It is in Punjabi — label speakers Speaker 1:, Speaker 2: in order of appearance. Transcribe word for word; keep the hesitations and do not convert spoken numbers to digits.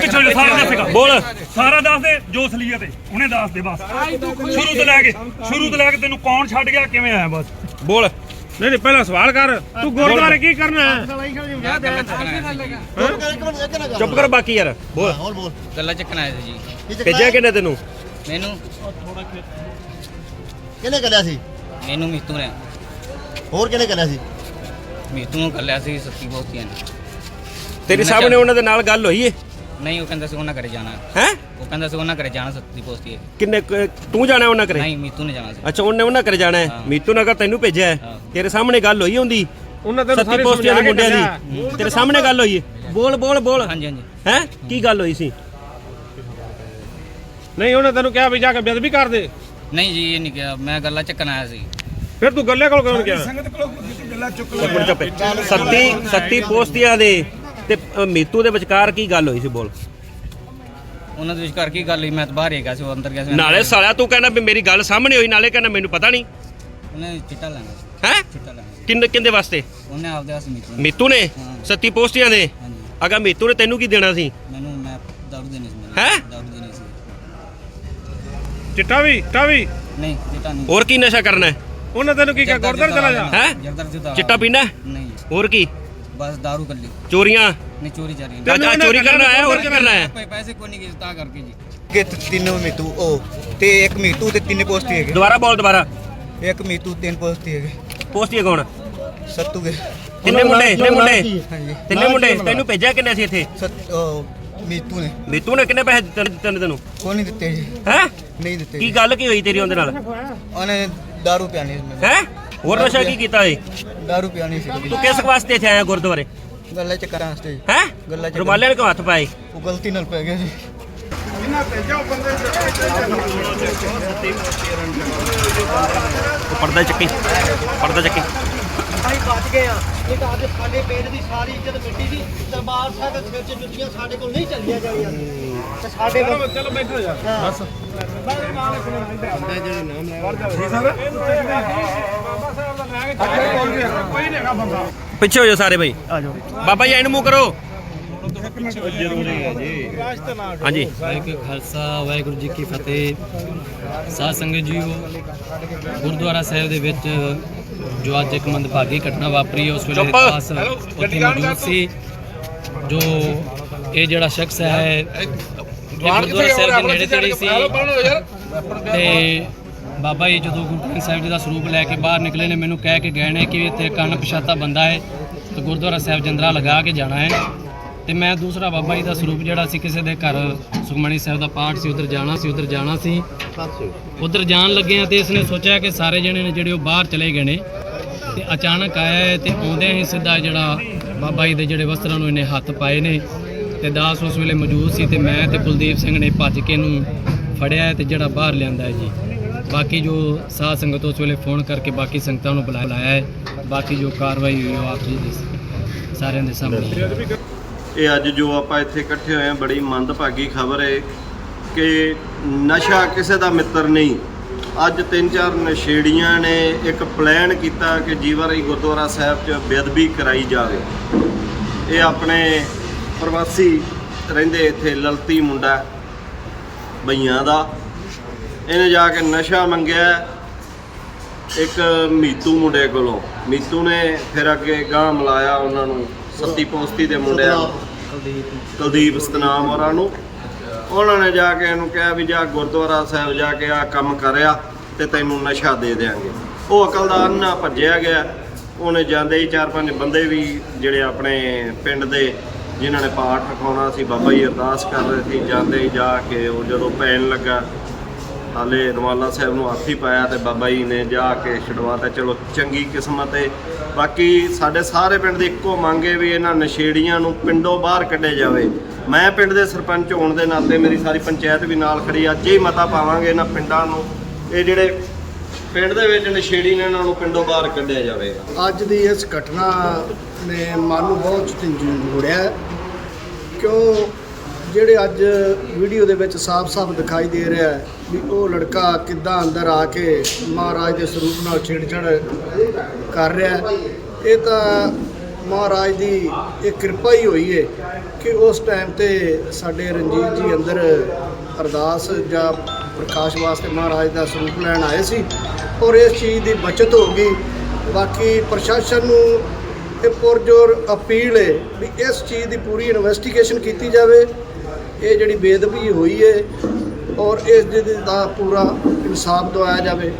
Speaker 1: ਪਿੱਛੇ ਸਾਰਾ ਦੱਸੇਗਾ
Speaker 2: ਬੋਲ
Speaker 1: ਸਾਰਾ ਦੱਸ ਦੇ ਜੋ ਅਸਲੀਅਤ ਹੈ ਉਹਨੇ ਦੱਸ ਦੇ ਬਸ ਸ਼ੁਰੂ ਤੋਂ ਲੈ ਕੇ ਸ਼ੁਰੂ ਤੋਂ ਲੈ ਕੇ ਤੈਨੂੰ ਕੌਣ ਛੱਡ ਗਿਆ ਕਿਵੇਂ ਆਇਆ ਬਸ
Speaker 2: ਬੋਲ
Speaker 3: ਨਹੀਂ ਨਹੀਂ ਪਹਿਲਾਂ ਸਵਾਲ ਕਰ ਤੂੰ ਗੁਰਦੁਆਰੇ ਕੀ ਕਰਨਾ ਹੈ
Speaker 2: ਚੁੱਪ ਕਰ ਬਾਕੀ ਯਾਰ ਬੋਲ
Speaker 4: ਹੋਰ ਬੋਲ
Speaker 5: ਗੱਲਾਂ ਚੱਕਣ ਆਏ ਸੀ ਜੀ
Speaker 2: ਭੇਜਿਆ ਕਿੰਨੇ ਤੈਨੂੰ
Speaker 5: ਮੈਨੂੰ
Speaker 4: ਕਿਹਨੇ ਕਰਿਆ ਸੀ
Speaker 5: ਮੈਨੂੰ ਮੀਤੂ ਨੇ
Speaker 4: ਹੋਰ ਕਿਹਨੇ ਕਰਿਆ ਸੀ
Speaker 5: ਮੀਤੂ ਨੂੰ ਕੱਲਿਆ ਸੀ ਸੱਤੀ ਬਹੁਤੀਆਂ ਨੇ
Speaker 2: ਤੇਰੇ ਸਾਹਮਣੇ ਉਹਨਾਂ ਦੇ ਨਾਲ ਗੱਲ ਹੋਈ ਏ
Speaker 5: ਨਹੀਂ ਉਹ ਕਹਿੰਦਾ ਸੀ ਉਹਨਾਂ ਘਰੇ ਜਾਣਾ
Speaker 2: ਹੈ
Speaker 5: ਉਹ ਕਹਿੰਦਾ ਸੀ ਉਹਨਾਂ ਘਰੇ ਜਾਣਾ ਸੱਤੀ ਪੋਸਤੀ ਹੈ
Speaker 2: ਕਿੰਨੇ ਕੁ- ਤੂੰ ਜਾਣਾ ਉਹਨਾਂ ਘਰੇ
Speaker 5: ਨਹੀਂ ਮੀਤੂ ਨੇ ਜਾਣਾ ਸੀ
Speaker 2: ਅੱਛਾ ਉਹਨੇ ਉਹਨਾਂ ਘਰੇ ਜਾਣਾ ਹੈ
Speaker 5: ਹਾਂ।
Speaker 2: ਮੀਤੂ ਨਗਰ ਤੈਨੂੰ ਭੇਜਿਆ ਹੈ
Speaker 5: ਹਾਂ।
Speaker 2: ਤੇਰੇ ਸਾਹਮਣੇ ਗੱਲ ਹੋਈ ਹੁੰਦੀ
Speaker 3: ਉਹਨਾਂ ਤੈਨੂੰ
Speaker 2: ਸੱਤੀ
Speaker 3: ਸਾਰੇ
Speaker 2: ਪੋਸਟੀਆਂ ਦੇ ਮੁੰਡਿਆਂ
Speaker 3: ਸਮਝਾ
Speaker 2: ਦੀ ਤੇਰੇ ਸਾਹਮਣੇ ਗੱਲ ਹੋਈ ਹੈ ਬੋਲ ਬੋਲ ਬੋਲ
Speaker 5: ਹਾਂਜੀ ਹਾਂਜੀ
Speaker 2: ਹੈ ਕੀ ਗੱਲ ਹੋਈ ਸੀ
Speaker 3: ਨਹੀਂ ਉਹਨੇ ਤੈਨੂੰ ਕਿਹਾ ਵੀ ਜਾ ਕੇ ਬੇਅਦਬੀ ਕਰ ਦੇ
Speaker 5: ਨਹੀਂ ਜੀ ਇਹ ਨਹੀਂ ਕਿਹਾ ਮੈਂ ਗੱਲਾਂ ਚੱਕਣ ਆਇਆ ਸੀ
Speaker 3: ਫਿਰ ਤੂੰ ਗੱਲੇ ਕੋਲ ਕਿਉਂ ਗਿਆ
Speaker 2: ਚੁੱਪ ਚੁੱਪ ਸੱਤੀ ਸੱਤੀ ਪੋਸਟੀਆਂ ਦੇ ਤੇ ਅ, ਮੀਤੂ ਦੇ ਵਿਚਕਾਰ ਕੀ ਗੱਲ ਹੋਈ ਸੀ ਬੋਲ
Speaker 5: ਉਹਨਾਂ ਦੇ ਵਿਚਕਾਰ ਕੀ ਗੱਲ ਹੋਈ ਮੈਂ ਤਾਂ ਬਾਹਰ ਹੀ ਗਿਆ ਸੀ ਉਹ ਅੰਦਰ ਗਿਆ ਸੀ
Speaker 2: ਨਾਲੇ ਸਾਲਿਆ ਤੂੰ ਕਹਿੰਦਾ ਵੀ ਮੇਰੀ ਗੱਲ ਸਾਹਮਣੇ ਹੋਈ ਨਾਲੇ ਕਹਿੰਦਾ ਮੈਨੂੰ ਪਤਾ ਨਹੀਂ
Speaker 5: ਉਹਨੇ ਚਿੱਟਾ ਲੈਣਾ ਸੀ
Speaker 2: ਹੈ
Speaker 5: ਚਿੱਟਾ ਲੈਣਾ ਸੀ।
Speaker 2: ਕਿੰਨੇ ਕਿੰਦੇ ਵਾਸਤੇ
Speaker 5: ਉਹਨੇ ਆਪਦੇ ਵਾਸਤੇ ਮੀਤੂ ਨੂੰ-
Speaker 2: ਮੀਤੂ ਨੇ
Speaker 5: ਹਾਂ।
Speaker 2: ਸੱਤੀ ਪੋਸਟੀਆਂ ਦੇ
Speaker 5: ਹਾਂਜੀ
Speaker 2: ਅਗਾ ਮੀਤੂ ਨੇ ਤੈਨੂੰ ਕੀ ਦੇਣਾ ਸੀ
Speaker 5: ਮੈਨੂੰ ਮੈਂ ਦਾਰੂ ਦੇਣੀ ਸੀ ਮੈਨੂੰ
Speaker 2: ਹੈਂ?
Speaker 5: ਦਾਰੂ ਦੇਣੀ ਸੀ
Speaker 3: ਚਿੱਟਾ ਵੀ ਚਿੱਟਾ ਵੀ
Speaker 5: ਨਹੀਂ ਚਿੱਟਾ ਨਹੀਂ
Speaker 2: ਹੋਰ ਕੀ ਨਸ਼ਾ ਕਰਨਾ ਹੈ
Speaker 3: ਉਹਨੇ ਤੈਨੂੰ ਕੀ ਕਿਹਾ ਗੁਰਦੁਆਰੇ ਚਲਾ ਜਾ
Speaker 2: ਹੈਂ?
Speaker 5: ਜਰਦਰ ਜੁਦਾ
Speaker 2: ਚਿੱਟਾ ਪੀਣਾ ਹੈ?
Speaker 5: ਨਹੀਂ
Speaker 2: ਹੋਰ ਕੀ
Speaker 5: ਬਸ ਦਾਰੂ ਕੱਲੀ
Speaker 2: ਚੋਰੀਆਂ
Speaker 5: ਨਹੀਂ ਚੋਰੀ ਚਾਰੀ
Speaker 3: ਤੇ-
Speaker 2: ਅੱਜ ਚੋਰੀ ਕਰਨਾ ਆਇਆ ਹੋਰ ਕੀ ਕਰਨਾ ਹੈ
Speaker 5: ਨਹੀਂ ਪੈਸੇ ਕੋਈ ਨਹੀਂ ਕਿਸੇ ਤਾਂ ਕਰਕੇ ਜੀ
Speaker 6: ਕਿ ਤਿੰਨ ਮੀਤੂ ਉਹ ਤੇ ਇੱਕ ਮੀਤੂ ਤੇ ਤਿੰਨ ਪੋਸਟੀ ਹੈਗੇ
Speaker 2: ਦੁਬਾਰਾ ਬੋਲ ਦੁਬਾਰਾ
Speaker 6: ਇੱਕ ਮੀਤੂ ਤਿੰਨ ਪੋਸਟੀ ਹੈਗੇ
Speaker 2: ਪੋਸਟੀਆਂ ਕੌਣ
Speaker 6: ਸੱਤੂ ਕੇ
Speaker 2: ਤਿੰਨੇ ਮੁੰਡੇ ਤਿੰਨੇ ਮੁੰਡੇ
Speaker 6: ਹਾਂਜੀ
Speaker 2: ਤਿੰਨੇ ਮੁੰਡੇ ਤੈਨੂੰ ਭੇਜਿਆ ਕਿੰਨੇ ਸੀ ਇੱਥੇ
Speaker 6: ਸੱਤ ਉਹ ਮੀਤੂ ਨੇ
Speaker 2: ਮੀਤੂ ਨੇ ਕਿੰਨੇ ਪੈਸੇ ਦਿੱਤੇ ਦਿੱਤੇ ਤੈਨੂੰ
Speaker 6: ਕੋਈ ਨਹੀਂ ਦਿੱਤੇ ਜੀ
Speaker 2: ਹੈ
Speaker 6: ਨਹੀਂ ਦਿੱਤੇ
Speaker 2: ਕੀ
Speaker 6: ਜੀ।
Speaker 2: ਗੱਲ ਕੀ ਹੋਈ ਤੇਰੀ ਉਹਦੇ ਨਾਲ
Speaker 6: ਉਹਨੇ ਦਾਰੂ ਪਿਆਣੀ ਸੀ ਮੈਨੂੰ
Speaker 2: ਹੈ ਹੋਰ ਨਸ਼ਾ ਕੀ ਕੀਤਾ ਏ
Speaker 6: ਦਾਰੂ ਪਿਆਣੀ ਸੀ
Speaker 2: ਤੂੰ ਕਿਸ ਵਾਸਤੇ ਇੱਥੇ ਆਇਆ ਗੁਰਦੁਆਰੇ
Speaker 6: ਗੱਲਾਂ ਚ ਕਰਾਂ ਸਟੇਜ
Speaker 2: ਹੈ
Speaker 6: ਗੱਲਾਂ ਚ
Speaker 2: ਰੁਮਾਲੇ ਨੇ ਕਿਉਂ ਹੱਥ ਪਾਏ
Speaker 6: ਉਹ ਗਲਤੀ ਨਾਲ ਪੈ ਗਿਆ ਜੀ
Speaker 2: ਉਹ ਪਰਦਾ ਚੱਕੀ ਪਰਦਾ ਚੱਕੀ
Speaker 4: ਅਸੀਂ ਬਚ ਗਏ ਆ ਇਹ ਤਾਂ ਅੱਜ ਸਾਡੇ ਪਿੰਡ ਦੀ ਸਾਰੀ ਇੱਜ਼ਤ ਮਿੱਟੀ ਦੀ ਦਰਬਾਰ ਸਾਹਿਬ ਦੇ ਸਿਰ 'ਚ ਜੁੱਤੀਆਂ ਸਾਡੇ ਕੋਲ ਨਹੀਂ ਚੱਲੀਆਂ ਜਾਣੀਆਂ ਤੇ ਸਾਡੇ ਕੋਲ
Speaker 3: ਚਲੋ ਬੈਠੋ ਜਾ
Speaker 4: ਬਸ
Speaker 2: ਪਿੱਛੇ ਹੋ ਜਾਓ ਸਾਰੇ ਭਾਈ
Speaker 4: ਆ ਜਾਓ
Speaker 2: ਬਾਬਾ ਜੀ ਐਨ ਮੂੰਹ ਕਰੋ ਹਾਂਜੀ
Speaker 7: ਵਾਹਿਗੁਰੂ ਖਾਲਸਾ ਵਾਹਿਗੁਰੂ ਜੀ ਕੀ ਫਤਿਹ। ਸਾਧ ਸੰਗਤ ਜੀਓ, ਗੁਰਦੁਆਰਾ ਸਾਹਿਬ ਦੇ ਵਿੱਚ ਜੋ ਅੱਜ ਇੱਕ ਮੰਦਭਾਗੀ ਘਟਨਾ ਵਾਪਰੀ ਉਸ ਵੇਲੇ
Speaker 2: ਚੁੱਪ।
Speaker 7: ਖਾਸ ਉੱਥੇ ਮੌਜੂਦ ਸੀ। ਜੋ ਇਹ ਜਿਹੜਾ ਸ਼ਖਸ ਹੈ ਇਹ ਗੁਰਦੁਆਰਾ ਸਾਹਿਬ ਦੇ ਨੇੜੇ ਤੇੜੇ ਸੀ ਤੇ ਬਾਬਾ ਜੀ ਜਦੋਂ ਗੁਰੂ ਗ੍ਰੰਥ ਸਾਹਿਬ ਜੀ ਦਾ ਸਰੂਪ ਲੈ ਕੇ ਬਾਹਰ ਨਿਕਲੇ ਨੇ ਮੈਨੂੰ ਕਹਿ ਕੇ ਗਏ ਨੇ ਕਿ ਇੱਥੇ ਕੰਨ ਪਛਾਤਾ ਬੰਦਾ ਹੈ ਤੇ ਗੁਰਦੁਆਰਾ ਸਾਹਿਬ ਜੰਦਰਾ ਲਗਾ ਕੇ ਜਾਣਾ ਹੈ। ਤੇ ਮੈਂ ਦੂਸਰਾ ਬਾਬਾ ਜੀ ਦਾ ਸਰੂਪ ਜਿਹੜਾ ਸੀ ਕਿਸੇ ਦੇ ਘਰ ਸੁਖਮਣੀ ਸਾਹਿਬ ਦਾ ਪਾਠ ਸੀ ਉਧਰ ਜਾਣਾ ਸੀ ਉਧਰ ਜਾਣਾ ਸੀ ਉਧਰ ਜਾਣ ਲੱਗੇ ਆ ਤੇ ਇਸਨੇ ਸੋਚਿਆ ਕਿ ਸਾਰੇ ਜਣੇ ਨੇ ਜਿਹੜੇ ਉਹ ਬਾਹਰ ਚਲੇ ਗਏ ਨੇ ਤੇ ਅਚਾਨਕ ਆਇਆ ਹੈ ਤੇ ਆਉਂਦਿਆਂ ਹੀ ਸਿੱਧਾ ਜਿਹੜਾ ਬਾਬਾ ਜੀ ਦੇ ਜਿਹੜੇ ਵਸਤਰਾਂ ਨੂੰ ਇਹਨੇ ਹੱਥ ਪਾਏ ਨੇ ਤੇ ਦਾਸ ਉਸ ਵੇਲੇ ਮੌਜੂਦ ਸੀ ਤੇ ਮੈਂ ਤੇ ਕੁਲਦੀਪ ਸਿੰਘ ਨੇ ਭੱਜ ਕੇ ਇਹਨੂੰ ਫੜਿਆ ਤੇ ਜਿਹੜਾ ਬਾਹਰ ਲਿਆਂਦਾ ਹੈ ਜੀ। ਬਾਕੀ ਜੋ ਸਾਧ ਸੰਗਤ ਉਸ ਵੇਲੇ ਫੋਨ ਕਰਕੇ ਬਾਕੀ ਸੰਗਤਾਂ ਨੂੰ ਬੁਲਾ ਲਾਇਆ ਹੈ। ਬਾਕੀ ਜੋ ਕਾਰਵਾਈ ਹੋਈ ਉਹ ਆਪ ਜੀ ਦੇ ਸਾਰਿਆਂ ਦੇ ਸਾਹਮਣੇ ਹੈ।
Speaker 8: ਇਹ ਅੱਜ ਜੋ ਆਪਾਂ ਇੱਥੇ ਇਕੱਠੇ ਹੋਏ ਹਾਂ ਬੜੀ ਮੰਦਭਾਗੀ ਖਬਰ ਹੈ ਕਿ ਨਸ਼ਾ ਕਿਸੇ ਦਾ ਮਿੱਤਰ ਨਹੀਂ। ਅੱਜ ਤਿੰਨ ਚਾਰ ਨਸ਼ੇੜੀਆਂ ਨੇ ਇੱਕ ਪਲਾਨ ਕੀਤਾ ਕਿ ਜੀਵਰਾਈ ਗੁਰਦੁਆਰਾ ਸਾਹਿਬ 'ਚ ਬੇਅਦਬੀ ਕਰਾਈ ਜਾਵੇ। ਇਹ ਆਪਣੇ ਪ੍ਰਵਾਸੀ ਰਹਿੰਦੇ ਇੱਥੇ ਲਲਤੀ ਮੁੰਡਾ ਬਈਆਂ ਦਾ, ਇਹਨੇ ਜਾ ਕੇ ਨਸ਼ਾ ਮੰਗਿਆ ਇੱਕ ਮੀਤੂ ਮੁੰਡੇ ਕੋਲੋਂ। ਮੀਤੂ ਨੇ ਫਿਰ ਅੱਗੇ ਗਾਂਹ ਮਿਲਾਇਆ ਉਹਨਾਂ ਨੂੰ ਸੱਤੀ ਪੋਸਤੀ ਦੇ ਮੁੰਡਿਆਂ ਕੁਲਦੀਪ ਸਤਨਾਮ ਹੋਰਾਂ ਨੂੰ। ਉਹਨਾਂ ਨੇ ਜਾ ਕੇ ਇਹਨੂੰ ਕਿਹਾ ਵੀ ਜਾ ਗੁਰਦੁਆਰਾ ਸਾਹਿਬ ਜਾ ਕੇ ਆ ਕੰਮ ਕਰਿਆ ਤੇ ਤੈਨੂੰ ਨਸ਼ਾ ਦੇ ਦਿਆਂਗੇ। ਉਹ ਅਕਲ ਦਾ ਅੰਨਾ ਭੱਜਿਆ ਗਿਆ। ਉਹਨੇ ਜਾਂਦੇ ਹੀ ਚਾਰ ਪੰਜ ਬੰਦੇ ਵੀ ਜਿਹੜੇ ਆਪਣੇ ਪਿੰਡ ਦੇ ਜਿਨ੍ਹਾਂ ਨੇ ਪਾਠ ਰਖਾਉਣਾ ਸੀ, ਬਾਬਾ ਜੀ ਅਰਦਾਸ ਕਰ ਰਹੇ ਸੀ, ਜਾਂਦੇ ਹੀ ਜਾ ਕੇ ਉਹ ਜਦੋਂ ਪੈਣ ਲੱਗਾ ਹਾਲੇ ਰੁਮਾਲਾ ਸਾਹਿਬ ਨੂੰ ਹੱਥ ਹੀ ਪਾਇਆ ਤੇ ਬਾਬਾ ਜੀ ਨੇ ਜਾ ਕੇ ਛਡਵਾਤਾ। ਚਲੋ ਚੰਗੀ ਕਿਸਮਤ ਹੈ। ਬਾਕੀ ਸਾਡੇ ਸਾਰੇ ਪਿੰਡ ਦੀ ਇੱਕੋ ਮੰਗ ਹੈ ਵੀ ਇਹਨਾਂ ਨਸ਼ੇੜੀਆਂ ਨੂੰ ਪਿੰਡੋਂ ਬਾਹਰ ਕੱਢਿਆ ਜਾਵੇ। ਮੈਂ ਪਿੰਡ ਦੇ ਸਰਪੰਚ ਹੋਣ ਦੇ ਨਾਤੇ ਮੇਰੀ ਸਾਰੀ ਪੰਚਾਇਤ ਵੀ ਨਾਲ ਖੜੀ, ਅੱਜ ਹੀ ਮਤਾ ਪਾਵਾਂਗੇ ਇਹਨਾਂ ਪਿੰਡਾਂ ਨੂੰ, ਇਹ ਜਿਹੜੇ ਪਿੰਡ ਦੇ ਵਿੱਚ ਨਸ਼ੇੜੀ ਨੇ ਇਹਨਾਂ ਨੂੰ ਪਿੰਡੋਂ ਬਾਹਰ ਕੱਢਿਆ ਜਾਵੇ।
Speaker 9: ਅੱਜ ਦੀ ਇਸ ਘਟਨਾ ਨੇ ਮਨ ਨੂੰ ਬਹੁਤ ਝੰਜੋੜਿਆ ਕਿਉਂ ਜਿਹੜੇ ਅੱਜ ਵੀਡੀਓ ਦੇ ਵਿੱਚ ਸਾਫ਼-ਸਾਫ਼ ਦਿਖਾਈ ਦੇ ਰਿਹਾ ਹੈ ਵੀ ਉਹ ਲੜਕਾ ਕਿੱਦਾਂ ਅੰਦਰ ਆ ਕੇ ਮਹਾਰਾਜ ਦੇ ਸਰੂਪ ਨਾਲ ਛੇੜਛਾੜ ਕਰ ਰਿਹਾ। ਇਹ ਤਾਂ ਮਹਾਰਾਜ ਦੀ ਇਹ ਕਿਰਪਾ ਹੀ ਹੋਈ ਹੈ ਕਿ ਉਸ ਟਾਈਮ ਤੇ ਸਾਡੇ ਰਣਜੀਤ ਜੀ ਅੰਦਰ ਅਰਦਾਸ ਜਾਂ ਪ੍ਰਕਾਸ਼ ਵਾਸਤੇ ਮਹਾਰਾਜ ਦਾ ਸਰੂਪ ਲੈਣ ਆਏ ਸੀ ਔਰ ਇਸ ਚੀਜ਼ ਦੀ ਬਚਤ ਹੋ ਗਈ। ਬਾਕੀ ਪ੍ਰਸ਼ਾਸਨ ਨੂੰ ਇਹ ਪੁਰਜੋਰ ਅਪੀਲ ਹੈ ਵੀ ਇਸ ਚੀਜ਼ ਦੀ ਪੂਰੀ ਇਨਵੈਸਟੀਗੇਸ਼ਨ ਕੀਤੀ ਜਾਵੇ, ਇਹ ਜਿਹੜੀ ਬੇਅਦਬੀ ਹੋਈ ਹੈ ਔਰ ਇਸ ਦਾ ਪੂਰਾ ਇਨਸਾਫ ਦਿਵਾਇਆ ਜਾਵੇ।